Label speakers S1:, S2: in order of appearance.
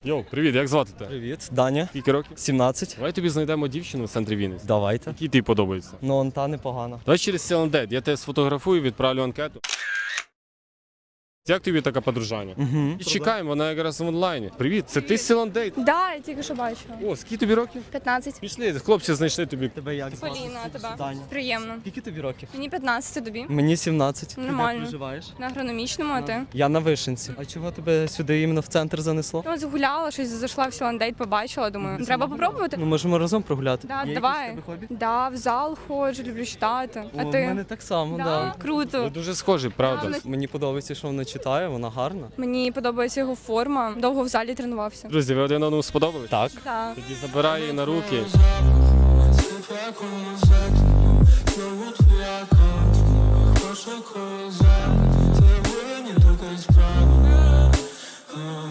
S1: Йоу, привіт, як звати тебе?
S2: Привіт, Даня.
S1: Скільки років?
S2: 17.
S1: Давай тобі знайдемо дівчину в центрі Вінниці.
S2: Давайте.
S1: Який тобі подобається?
S2: Ну, он та непогана.
S1: Давай через Селендет, я тебе сфотографую, відправлю анкету. Як тобі таке подружання?
S2: Угу.
S1: І чекаємо, вона якраз в онлайні. Привіт, це ти з Селендейт?
S3: Да, я тільки що бачила.
S1: О, скільки тобі років?
S3: 15.
S1: Пішли, хлопці знайшли тобі.
S2: Тебе як звати?
S3: Поліна, а тебе?
S2: Даня.
S3: Приємно.
S2: Скільки тобі років?
S3: Мені 15, тобі?
S2: Мені 17.
S3: Нормально.
S2: Ти де проживаєш?
S3: На агрономічному, а ти?
S2: Я на Вишенці. А чого тебе сюди іменно в центр занесло?
S3: Ну, згуляла, щось зайшла в Сіландейт, побачила, думаю, треба попробувати?
S2: Ну, можемо разом прогуляти.
S3: Да,
S2: Є
S3: давай.
S2: якісь в тебе хобі?
S3: Да, в зал ходжу, люблю читати. А
S2: О,
S3: ти?
S2: в мене так само,
S3: Да?
S2: да.
S1: Ви
S3: Круто.
S1: дуже схожі, правда?
S3: Правда.
S2: Мені подобається, що вона читає, вона гарна.
S3: Мені подобається його форма. Довго в залі тренувався.
S1: Друзі, ви один одному сподобались?
S2: Так.
S3: Так.
S1: Тоді забирай її на руки.
S4: Прошлый круизак, ты не только исправил.